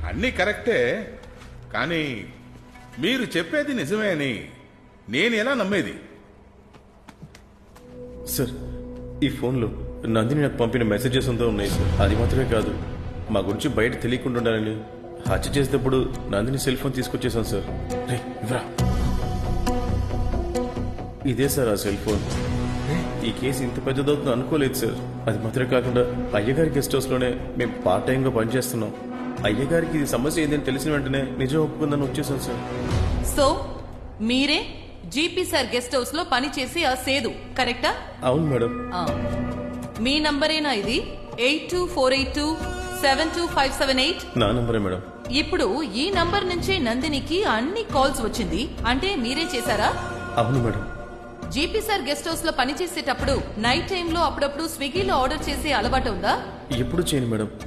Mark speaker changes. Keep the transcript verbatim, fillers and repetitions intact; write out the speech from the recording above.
Speaker 1: అన్నీ కరెక్టే, కానీ మీరు చెప్పేది నిజమే అని నేను ఎలా నమ్మేది?
Speaker 2: సార్, ఈ ఫోన్లో నందిని నాకు పంపిన మెసేజెస్ అంతా ఉన్నాయి సార్. అది మాత్రమే కాదు, మా గురించి బయట తెలియకుండా ఉండాలని హత్య చేసేటప్పుడు నందిని సెల్ ఫోన్ తీసుకొచ్చేసాను సార్. రేయ్, ఇవ్వరా. ఇదే సార్ ఆ సెల్ ఫోన్. ఈ కేసు ఇంత పెద్దదవుతుందో అనుకోలేదు సార్. అది మాత్రమే కాకుండా అయ్యగారి గెస్ట్ హౌస్లోనే మేము పార్ట్ టైంగా పనిచేస్తున్నాం. అయ్యగారికి ఇది సమస్య ఏంటని తెలిసిన వెంటనే నిజం ఒప్పుకుందని వచ్చేసాను సార్.
Speaker 3: సో మీరే జీపీ సార్ గెస్ట్ హౌస్ లో పని చేసి ఆ సేదు, కరెక్టా?
Speaker 2: అవును మేడం.
Speaker 3: ఆ. మీ నంబరేనా ఇది? Eight two four eight two seven two five seven eight
Speaker 2: నా నంబరే మేడం.
Speaker 3: ఇప్పుడు ఈ నంబర్ నుంచే నందినికి అన్ని కాల్స్ వచ్చింది అంటే మీరే చేశారా?
Speaker 2: అవును madam.
Speaker 3: GP sir guest house లో పని చేసేటప్పుడు నైట్ టైంలో అప్పుడప్పుడు స్విగ్గీలో ఆర్డర్ చేసే అలవాటు ఉందా?
Speaker 2: ఎప్పుడు చేయను మేడం.